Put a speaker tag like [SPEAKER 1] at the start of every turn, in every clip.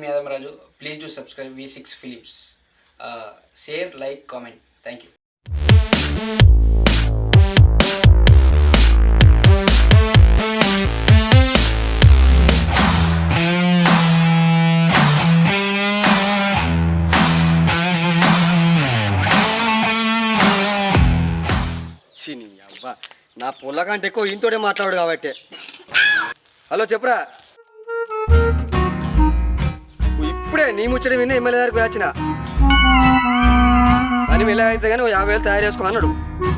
[SPEAKER 1] Yadamaraju. Please do subscribe V6 Films. Share, like, comment. Thank you.
[SPEAKER 2] అబ్బా నా పొల్ల కంటే ఎక్కువ ఇంతోడే మాట్లాడు కాబట్టి. హలో చెప్పురా. ఇప్పుడే నీ ముచ్చట విన్న ఎమ్మెల్యే దగ్గరికి వచ్చిన పని మెల్ల అయితే కానీ 50,000 తయారు చేసుకో అన్నాడు.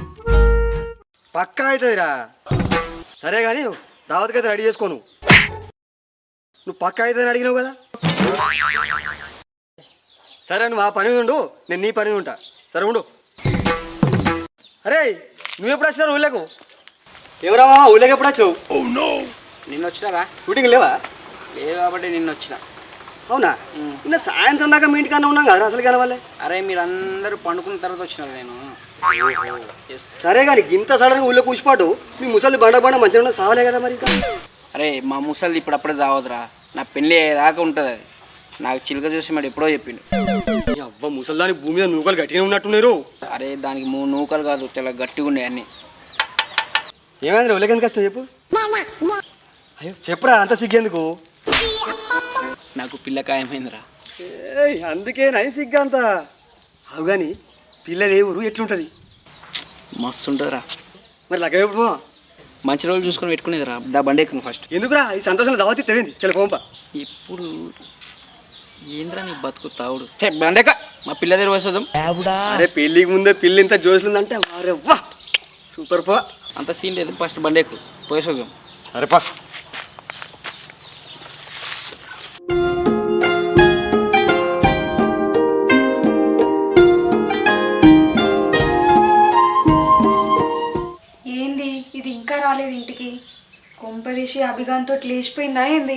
[SPEAKER 2] పక్కా అవుతుందిరా. సరే కానీ దావత్కి అయితే రెడీ చేసుకోను. నువ్వు పక్కా అవుతుందని అడిగినావు కదా. సరే నువ్వు ఆ పని ఉండు, నేను నీ పని ఉంటా. సరే ఉండు. అరే నువ్వు ఎప్పుడు వచ్చినారు ఊళ్ళకు? ఎవరా ఊళ్ళకి ఎప్పుడు వచ్చావు?
[SPEAKER 1] నిన్న వచ్చినారా?
[SPEAKER 2] షూటింగ్ లేవా?
[SPEAKER 1] లేదు కాబట్టి నిన్న వచ్చిన.
[SPEAKER 2] అవునా? నిన్న సాయంత్రం దాకా మీ ఇంటికన్నా ఉన్నాం కదా అసలు కానీ వాళ్ళే.
[SPEAKER 1] అరే మీరు అందరూ పండుకున్న తర్వాత వచ్చినారు. నేను
[SPEAKER 2] సరే కానీ ఇంత సడన్గా ఊళ్ళో కూర్చిపాటు మీ ముసలి బండ బండ మంచిగా సావలే కదా మరి.
[SPEAKER 1] అరే మా ముసలిది ఇప్పుడు అప్పుడే చావదురా. నా పెళ్ళి దాకా ఉంటుంది. అది నాకు చిలుక చూసి మరి ఎప్పుడో చెప్పిండు.
[SPEAKER 2] అవ్వ ముసలిదాని భూమి మీద నూకలు గట్టిగా ఉన్నట్టున్నారు.
[SPEAKER 1] అరే దానికి 3 నూకలు కాదు, చాలా గట్టిగా ఉన్నాయి అన్నీ.
[SPEAKER 2] ఏమైంది ఊళ్ళకి ఎందుకు వస్తావు చెప్పు. అయ్యో చెప్పురా, అంత సిగ్గేందుకు?
[SPEAKER 1] నాకు పిల్ల ఖాయమైందిరా.
[SPEAKER 2] అందుకే నై సిగ్గా అంత. అవు కానీ పిల్లలు ఏ ఊరు ఎట్లుంటుంది?
[SPEAKER 1] మస్తు ఉంటుందిరా.
[SPEAKER 2] మరి లగ్గ ఎప్పుడు?
[SPEAKER 1] మంచి రోజులు చూసుకొని పెట్టుకునేదిరా. దా బండి ఎక్కువ ఫస్ట్.
[SPEAKER 2] ఎందుకురా ఈ సంతోషంలో దావతి తెవింది చలి పోంప.
[SPEAKER 1] ఇప్పుడు ఏంద్రా నీ బతుకు తావుడు. బండెక్క మా పిల్ల దగ్గర వస్తాం.
[SPEAKER 2] అరే పెళ్ళికి ముందే పిల్లి ఇంత జోసులుందంటే అరే వా సూపర్ పో.
[SPEAKER 1] అంత సీన్ లేదు, ఫస్ట్ బండెక్కు పోయేసోజం.
[SPEAKER 2] సరేపా.
[SPEAKER 3] ఏంది ఇది ఇంకా రాలేదు ఇంటికి? కొంపదీసి అభిగాంతో లేచిపోయిందా ఏంది?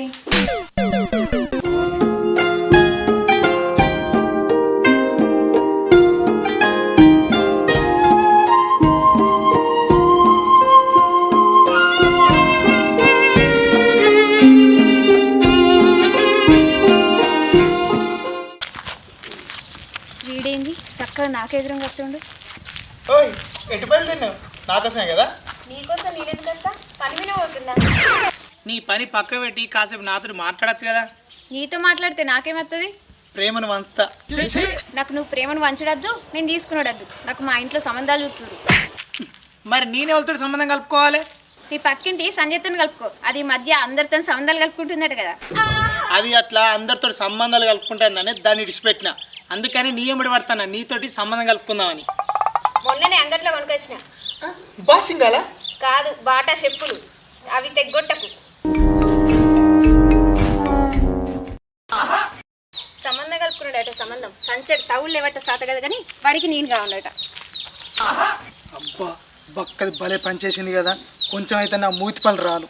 [SPEAKER 3] వీడేంది చక్కగా నాకెదురుగా వస్తుండు.
[SPEAKER 4] ఎటు పని తిన్నావు? నాకోసమే కదా.
[SPEAKER 3] నీకోసం నేనెందుకు వస్తా? పని మీద పోతుందా?
[SPEAKER 4] నీ పని పక్క పెట్టి కాసేపు నాతో మాట్లాడచ్చు కదా.
[SPEAKER 3] నీతో మాట్లాడితే నాకేమవుతుంది?
[SPEAKER 4] ప్రేమను వంచుతా.
[SPEAKER 3] నాకు నువ్వు ప్రేమను వంచడద్దు, నేను తీసుకున్నాడద్దు. నాకు మా ఇంట్లో సంబంధాలు చూస్తురు.
[SPEAKER 4] మరి నేనెవరితో సంబంధం కలుపుకోవాలి?
[SPEAKER 3] నీ పక్కింటి సంజయ్తో కలుపుకో. అది ఈ మధ్య అందరితో సంబంధాలు కలుపుకుంటున్నాడు కదా.
[SPEAKER 4] అది అట్లా అందరితో సంబంధాలు కలుపుకుంటానని దాన్ని ఇడిచిపెట్టిన. అందుకని నీ ఎమ్మడి పడతాను నీతోటి సంబంధం కలుపుకుందామని.
[SPEAKER 3] మొన్ననే అంగట్లో కొనుకొచ్చిన.
[SPEAKER 4] బాసింగాలా?
[SPEAKER 3] కాదు, బాటా చెప్పులు. అవి తెగ్గొట్టకు. సంబంధం కలుపుకున్నాడట. సంబంధం సంచడి తవులు లేవట సాత కదా, కానీ వాడికి నేను కావాలట.
[SPEAKER 4] అబ్బా బక్కది భలే పనిచేసింది కదా. కొంచెం అయితే నా మూతి పళ్ళు రాలు.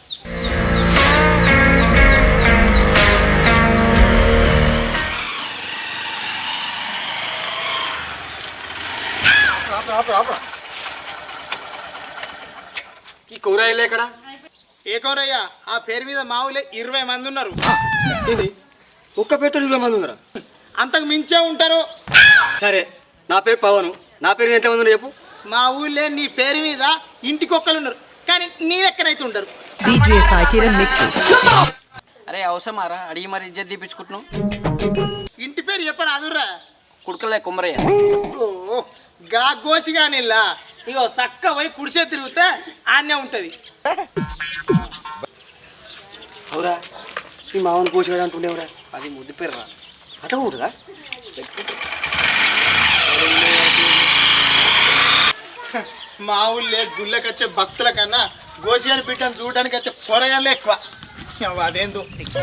[SPEAKER 2] ఈ కూరగాయలు ఎక్కడ?
[SPEAKER 4] ఏ కౌరయ్య? ఆ పేరు మీద మా ఊళ్ళో 20 మంది ఉన్నారు.
[SPEAKER 2] ఏంది ఒక్క పేరుతో 20 మంది ఉన్నారా?
[SPEAKER 4] అంతకు మించే ఉంటారు.
[SPEAKER 2] సరే నా పేరు పవను. నా పేరు మీద ఎంతమంది ఉన్నారు చెప్పు.
[SPEAKER 4] మా ఊళ్ళో నీ పేరు మీద ఇంటికొక్కరు ఉన్నారు, కానీ నీ లెక్కనైతే ఉంటారు.
[SPEAKER 1] అరే అవసరమారా అడిగి మరి ఇజ్జత్ తీపించుకుంటున్నావు.
[SPEAKER 4] ఇంటి పేరు చెప్పరు అదుర్రా.
[SPEAKER 1] కుడుకలే కుమ్మరయ్య.
[SPEAKER 4] ఓ గా గోసిగా నిల్లా ఇగో చక్క పోయి కుడిసే తిరిగితే ఆన్నే ఉంటుంది.
[SPEAKER 2] అవురా ఈ మామని కోసిగాడు అంటుండేవరా?
[SPEAKER 1] అది ముద్దు పేరు రా.
[SPEAKER 2] అట్లా ఉంటుందా?
[SPEAKER 4] మా ఊళ్ళో గుళ్ళకి వచ్చే భక్తుల కన్నా గోసిగాని బిడ్డను చూడడానికి వచ్చే పొరగానే ఎక్కువ. వాడేందు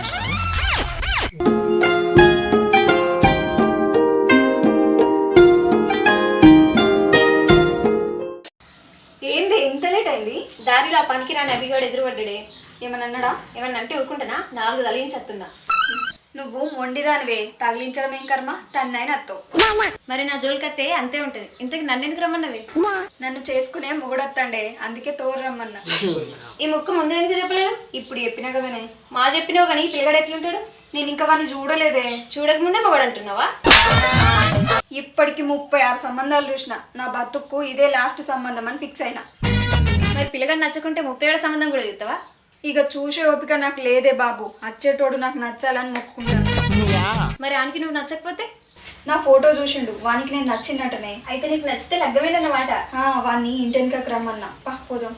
[SPEAKER 3] ఏంది ఇంత లేట్ అయింది? దారిలో పనికిరాని అభిగాడు ఎదురుపడ్డాడే. ఏమన్నా అన్నాడా? ఏమన్నా అంటే ఊరుకుంటానా? 4 తలించేస్తుందా? నువ్వు మొండిరానివే, తగిలించడం ఏం కర్మ, తన్నైనా అత్తో.
[SPEAKER 5] మరి నా జోలికత్తే అంతే ఉంటది. ఇంతకు నన్ను ఎందుకు రమ్మన్నవి?
[SPEAKER 3] నన్ను చేసుకునే మొగుడత్తండే, అందుకే తోడు రమ్మన్నా.
[SPEAKER 5] ఈ ముక్కు ముందు ఎందుకు చెప్పలేదు?
[SPEAKER 3] ఇప్పుడు చెప్పినా కదనే.
[SPEAKER 5] మా చెప్పినావు కానీ ఈ పిల్లగాడు ఎట్లుంటాడు?
[SPEAKER 3] నేను ఇంకా వాడిని చూడలేదే.
[SPEAKER 5] చూడకముందే మొగడు అంటున్నావా?
[SPEAKER 3] ఇప్పటికి 36 సంబంధాలు చూసిన, నా బతుక్కు ఇదే లాస్ట్ సంబంధం అని ఫిక్స్ అయినా.
[SPEAKER 5] మరి పిల్లగాడు నచ్చకుంటే 37 సంబంధం కూడా చూస్తావా?
[SPEAKER 3] ఇక చూసే ఓపిక నాకు లేదే బాబు. వచ్చేటోడు నాకు నచ్చాలని మొక్కుకుంటాను.
[SPEAKER 5] మరి ఆనికి నువ్వు నచ్చకపోతే?
[SPEAKER 3] నా ఫోటో చూసిండు, వానికి నేను నచ్చినట్టనే.
[SPEAKER 5] అయితే నీకు నచ్చితే లగ్గమేనన్నమాట.
[SPEAKER 3] వాడిని ఇంటెనకకు రమ్మన్నా. పా పోదాం.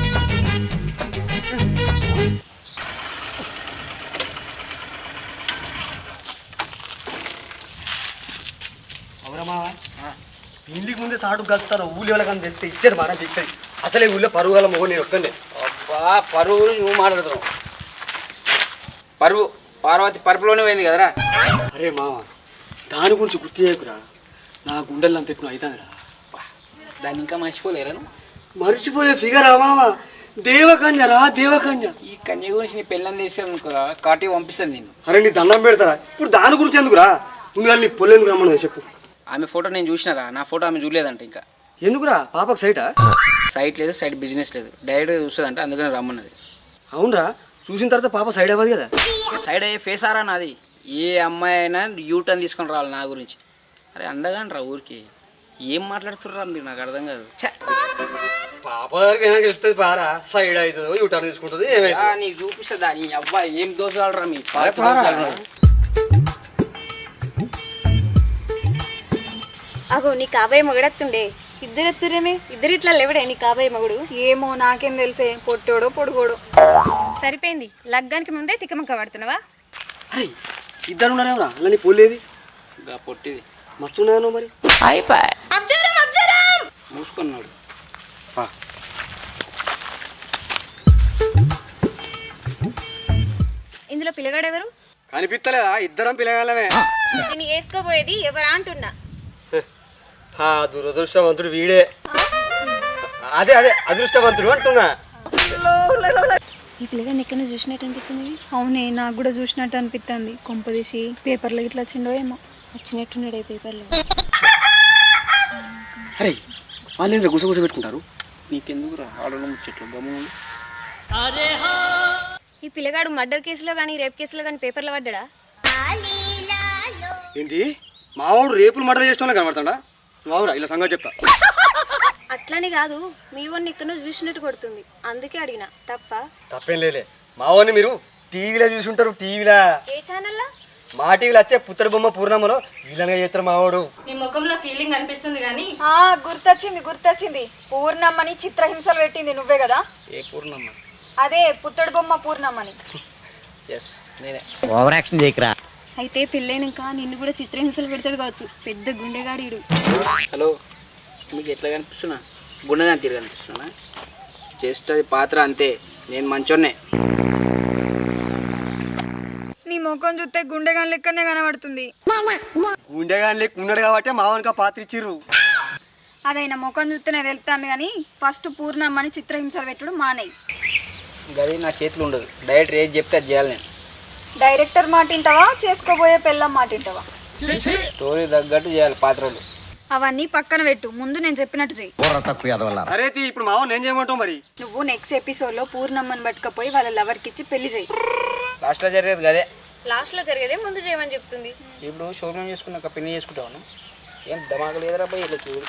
[SPEAKER 2] అవురమ్మా ఇంటికి ముందే సాటు కలుపుతారు. ఊళ్ళో వాళ్ళకని వెళ్తే ఇచ్చేది మాట ఇచ్చేది. అసలే ఊళ్ళో పరువు గల మొగ నేను ఒక్కనే.
[SPEAKER 1] అబ్బా పరువు నువ్వు మాట్లాడుతున్నావు. పరువు పార్వతి పరుపులోనే పోయింది కదరా.
[SPEAKER 2] అరే మామ దాని గురించి గుర్తు చేయకురా. నా గుండెల్లో అంత ఎక్కువ అవుతుందిరా.
[SPEAKER 1] దాన్ని ఇంకా మర్చిపోలేరా నువ్వు?
[SPEAKER 2] మర్చిపోయే ఫిగర్ మామ. దేవకన్యరా దేవకన్య.
[SPEAKER 1] ఈ కన్య గురించి నీ పెళ్ళని చేసాను కాటి పంపిస్తాను నేను.
[SPEAKER 2] అరే నీ దండం పెడతారా ఇప్పుడు దాని గురించి ఎందుకురా? ముందుగా నీ పొల్లేందుకు రమ్మను చెప్పు.
[SPEAKER 1] ఆమె ఫోటో నేను చూసినారా, నా ఫోటో ఆమె చూడలేదంట. ఇంకా
[SPEAKER 2] ఎందుకురా పాపకు సైటా?
[SPEAKER 1] సైట్ లేదు, సైట్ బిజినెస్ లేదు, డైరెక్ట్గా చూస్తుందంట, అందుకని రమ్మన్నది.
[SPEAKER 2] అవునరా చూసిన తర్వాత పాప సైడ్ అవ్వదు కదా.
[SPEAKER 1] సైడ్ అయ్యే ఫేస్ ఆరా నాది. ఏ అమ్మాయి అయినా యూటర్న్ తీసుకొని రావాలి నా గురించి. అరే అందగాని రా ఊరికి. ఏం మాట్లాడుతుర్రా మీరు, నాకు అర్థం కాదు.
[SPEAKER 2] పాప దగ్గరికి ఏమైనా వెళ్తుంది పారా, సైడ్ అవుతుంది యూటర్న్ తీసుకుంటుంది ఏమైతే.
[SPEAKER 1] నీకు చూపిస్తుందా నీ అబ్బాయి ఏం దోషాలరా మీ
[SPEAKER 5] అగో నీ కాబోయే మొగడత్తుండే. ఇద్దరు ఎత్తురేమే, ఇద్దరు ఇట్లా లేవడే నీ కాబోయే మొగుడు.
[SPEAKER 3] ఏమో నాకేం తెలిసే, పొట్టోడో పొడుగోడో.
[SPEAKER 5] సరిపోయింది, లగ్గానికి ముందే తిక్కమక్క పడుతున్నావా?
[SPEAKER 2] అరే ఇద్దరు ఉన్నారేమరా అలా నీ పోలేది
[SPEAKER 1] ఇంకా పొట్టిది
[SPEAKER 2] మస్తున్నాను మరి.
[SPEAKER 1] మూసుకున్నాడు.
[SPEAKER 5] ఇందులో పిల్లగాడెవరు?
[SPEAKER 2] కనిపిస్తలేదా? ఇద్దరం పిల్లగాలమే.
[SPEAKER 5] నేను వేసుకోబోయేది ఎవరా అంటున్నా.
[SPEAKER 2] దురదృష్టవంతుడు వీడే. అదే అదే అదృష్టవంతుడు అంటున్నా.
[SPEAKER 5] ఈ పిల్లగాడిని ఎక్కడ చూసినట్టు అనిపిస్తుంది.
[SPEAKER 3] అవునే, నాకు కూడా చూసినట్టు అనిపిస్తుంది. కొంపదీసి పేపర్లో ఇట్లా వచ్చిండో ఏమో.
[SPEAKER 5] వచ్చినట్టున్నాడు ఈ పేపర్లో.
[SPEAKER 2] అరే వాళ్ళు ఎంత గుసగుస పెట్టుకుంటారు.
[SPEAKER 1] నీకెందుకు రా ఆడలో ముచ్చట్లు గమ్మును.
[SPEAKER 5] ఈ పిల్లగాడు మర్డర్ కేసులో కానీ రేప్ కేసులో కానీ పేపర్లో పడ్డా?
[SPEAKER 2] ఏంటి మావాడు రేపులు మర్డర్ చేసిన కనబడతాడా? మావురా ఇలా సంగతి చెప్తా.
[SPEAKER 5] అట్లని కాదు, మీ వాడిని ఎక్కడో చూసినట్టు కొడుతుంది, అందుకే అడిగిన.
[SPEAKER 2] తప్పేం లేలే. మావాడిని మీరు టీవీలో చూసి ఉంటారు. టీవీలో
[SPEAKER 5] ఏ ఛానల్లా?
[SPEAKER 2] మా టీవీలో వచ్చే పుత్తడి బొమ్మ పూర్ణమ్మలో విలన్గా చేస్తారు మావాడు.
[SPEAKER 6] నీ ముఖంలో ఫీలింగ్ అనిపిస్తుంది కానీ
[SPEAKER 3] గుర్తొచ్చింది. పూర్ణమ్మని చిత్రహింసలు పెట్టింది నువ్వే కదా?
[SPEAKER 1] ఏ పూర్ణమ్మ?
[SPEAKER 3] అదే పుత్తడి బొమ్మ పూర్ణమ్మని.
[SPEAKER 1] ఎస్ నేనే.
[SPEAKER 7] ఓవర్ యాక్షన్ చేయకరా.
[SPEAKER 5] అయితే పెళ్ళైనాక నిన్ను కూడా చిత్రహింసలు పెడతాడు కావచ్చు, పెద్ద గుండెగాడీడు.
[SPEAKER 1] హలో, మీకు ఎట్లా కనిపిస్తున్నా? గుండెగా తీరు కనిపిస్తున్నా? జస్ట్ అది పాత్ర అంతే, నేను మంచోన్నే.
[SPEAKER 3] నీ ముఖం చూస్తే గుండెగాని లెక్కనే కనబడుతుంది.
[SPEAKER 2] గుండెగాని లెక్క ఉన్నాడు కాబట్టి మావానికి ఆ పాత్ర ఇచ్చిర్రు.
[SPEAKER 3] అదైనా ముఖం చూస్తేనే తెలుస్తాను కానీ ఫస్ట్ పూర్ణమ్మని చిత్రహింసలు పెట్టడం మానేయి.
[SPEAKER 1] గది నా చేతిలో ఉండదు. డైరెక్ట్ ఏది చెప్తే అది చేయాలి నేను.
[SPEAKER 3] డైరెక్టర్ మాట వింటావా, చేసుకోబోయే పెళ్ళం మాట వింటావా?
[SPEAKER 1] స్టోరీ తగ్గట్టు చేయాలి పాత్రలు.
[SPEAKER 3] అవన్నీ పక్కన పెట్టు, ముందు నేను చెప్పినట్టు చెయ్యి.
[SPEAKER 2] సరే ఇప్పుడు మావాడిని ఏం చేయమంటావు మరి?
[SPEAKER 3] నువ్వు నెక్స్ట్ ఎపిసోడ్లో పూర్ణమ్మని పట్టుకపోయి వాళ్ళ లవర్కి ఇచ్చి పెళ్లి చేయి.
[SPEAKER 1] లాస్ట్లో జరిగేది గదే.
[SPEAKER 5] లాస్ట్లో జరిగేదే ముందు చేయమని చెప్తుంది.
[SPEAKER 1] ఇప్పుడు శోభనం చేసుకున్నాక పెళ్లి చేసుకుంటాను. ఏం దమాక లేదురా పోయి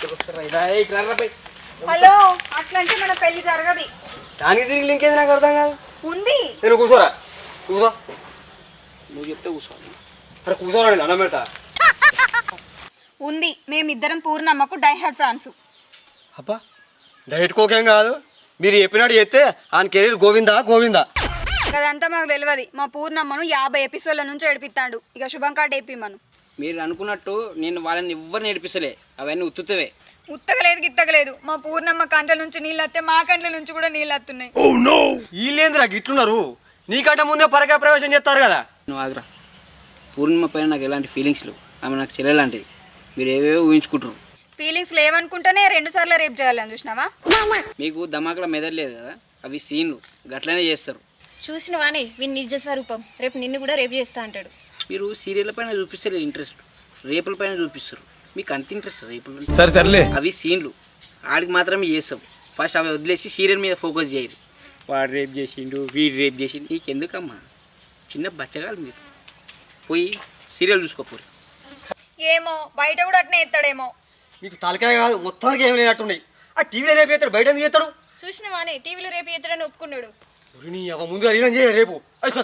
[SPEAKER 3] హలో, అట్లంటే మన పెళ్లి జరగది.
[SPEAKER 2] దానికి తిరిగి ఇంకేది నాకు అర్థం కాదు.
[SPEAKER 3] ఉంది.
[SPEAKER 2] నేను కూర్చోరా, కూర్చో.
[SPEAKER 1] నువ్వు చెప్తే కూర్చోవాలి.
[SPEAKER 2] అరే కూర్చోరా, నేను అన్నం పెడతా.
[SPEAKER 3] ఉంది, మేమిద్దరం పూర్ణమ్మకు డైహార్డ్ ఫ్యాన్స్.
[SPEAKER 2] అబ్బా డైట్ కోకేం కాదు. మీరు చెప్పినట్టు చెప్తే ఆయన కెరీర్ గోవిందా గోవిందా.
[SPEAKER 3] అదంతా మాకు తెలియదు. మా పూర్ణమ్మను 50 ఎపిసోడ్ల నుంచి ఏడిపిస్తాడు. ఇక శుభం కార్డు వేపిమ్మను.
[SPEAKER 1] మీరు అనుకున్నట్టు నేను వాళ్ళని ఎవ్వరు నేర్పిస్తలే, అవన్నీ ఉత్తుతవే.
[SPEAKER 3] ఉత్తగలేదు గిత్తగలేదు. మా పూర్ణమ్మ కంట్ల నుంచి నీళ్ళు వస్తే మా కంట్ల నుంచి కూడా నీళ్ళు వస్తున్నాయి.
[SPEAKER 2] వీళ్ళేంద్రా గిట్లున్నారు? నీకంటే ముందే పరకాయ ప్రవేశం చేస్తారు కదా.
[SPEAKER 1] నువ్వు ఆగ్రా. పూర్ణిమ పైన నాకు ఎలాంటి ఫీలింగ్స్ లేవు. ఆమె నాకు చెల్లెలాంటిది. మీరు ఏవేవో ఊహించుకుంటారు.
[SPEAKER 3] ఫీలింగ్స్ లేవనుకుంటేనే 2 సార్లు రేపు చేయాలని చూసినావా?
[SPEAKER 1] మీకు దమాకుల మెదడలేదు కదా, అవి సీన్లు గట్లనే చేస్తారు.
[SPEAKER 5] చూసిన వానే వీని నిజ స్వరూపం. రేపు నిన్ను కూడా రేపు చేస్తా అంటాడు.
[SPEAKER 1] మీరు సీరియల్ పైన చూపిస్తారు ఇంట్రెస్ట్, రేపుల పైన చూపిస్తారు. మీకు అంత ఇంట్రెస్ట్ రేపులు
[SPEAKER 7] సరే తరలే.
[SPEAKER 1] అవి సీన్లు ఆడికి మాత్రమే చేస్తాం. ఫస్ట్ అవి వదిలేసి సీరియల్ మీద ఫోకస్ చేయరు. వాడు రేప్ చేసిండు, వీడు రేప్ చేసిండు, నీకు ఎందుకమ్మా? చిన్న బచ్చగాలు మీరు, పోయి సీరియల్ చూసుకోపోరు.
[SPEAKER 3] ఏమో బయట కూడా అట్నే ఎత్తాడేమో.
[SPEAKER 2] నీకు తలకాయ కాదు మొత్తానికి ఏమి లేనట్టున్నాయి. ఆ టీవీలో రేపు చేస్తాడు, బయట ఎందుకు చేస్తాడు?
[SPEAKER 5] చూసినవానే టీవీలో రేపు ఎత్తడని ఒప్పుకున్నాడు.
[SPEAKER 2] నీ అవ ముందుగా అడిగిన చేయ రేపు.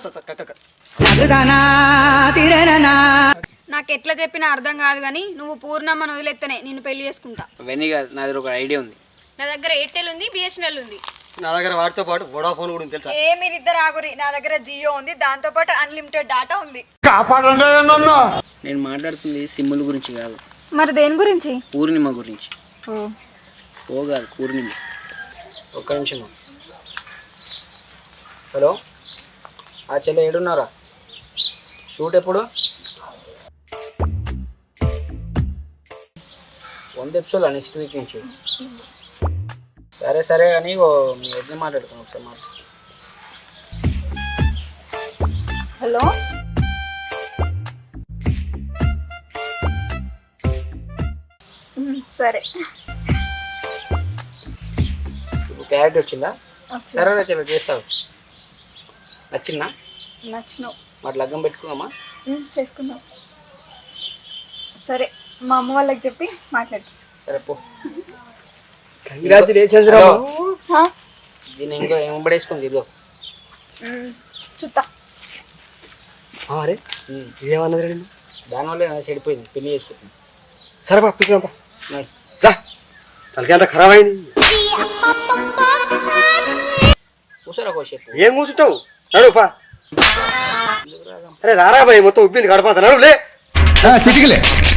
[SPEAKER 3] నాకు ఎట్లా చెప్పినా అర్థం కాదు కానీ నువ్వు పూర్ణమ్మను వదిలేస్తేనే నిన్ను పెళ్లి చేసుకుంటా.
[SPEAKER 1] అవన్నీ కాదు, నా దగ్గర ఒక ఐడియా ఉంది.
[SPEAKER 5] నా దగ్గర ఎయిర్టెల్ ఉంది, బిఎస్ఎన్ఎల్ ఉంది.
[SPEAKER 2] నా దగ్గర వాటితో పాటు వోడాఫోన్ కూడా ఉంది తెలుసా?
[SPEAKER 3] ఏ మీరిద్దరు ఆగురి, నా దగ్గర జియో ఉంది, దాంతో పాటు అన్లిమిటెడ్ డాటా ఉంది.
[SPEAKER 1] నేను మాట్లాడుతుంది సిమ్ముల గురించి కాదు,
[SPEAKER 3] మరి దేని గురించి?
[SPEAKER 1] పూర్ణిమ గురించి. ఓ కాదు, పూర్ణిమ. ఒక్క నిమిషం. హలో, ఆ చెల్లె ఏడున్నారా? షూట్ ఎప్పుడు? 100 ఎపిసోడ్ నెక్స్ట్ వీక్ నుంచి. సరే సరే కానీ మీ వద్ద మాట్లాడుతున్నాం ఒకసారి మాట.
[SPEAKER 3] హలో, సరే.
[SPEAKER 1] ఇప్పుడు క్లారిటీ వచ్చిందా? సరే చెల్లె చేస్తావు. నచ్చిందా?
[SPEAKER 3] నచ్చినావు.
[SPEAKER 1] మరి లగ్గం పెట్టుకుందామా?
[SPEAKER 3] చేసుకుందాం. సరే, మా అమ్మ వాళ్ళకి చెప్పి మాట్లాడు.
[SPEAKER 1] సరే పో.
[SPEAKER 2] కంగ్రాచులేషన్స్ రా.
[SPEAKER 1] దీన్ని ఇంకో ఏమబడేసుకొని తిరుగు.
[SPEAKER 3] చుట్టా.
[SPEAKER 2] అరే ఇదేమన్నది రండి.
[SPEAKER 1] దానివల్ల చెడిపోయింది, పెళ్లి చేసుకుంటుంది.
[SPEAKER 2] సరే బా పిలుదాంపా. తలకి అంత ఖరాబ్ అయింది.
[SPEAKER 1] కూర్చోరా కోసేపు.
[SPEAKER 2] ఏం కూర్చుంటావు? నడు పా. అరే రారా బాయ్, మొత్తం ఉబ్బింది గడపంత. నడు లే.
[SPEAKER 7] చిటికలే.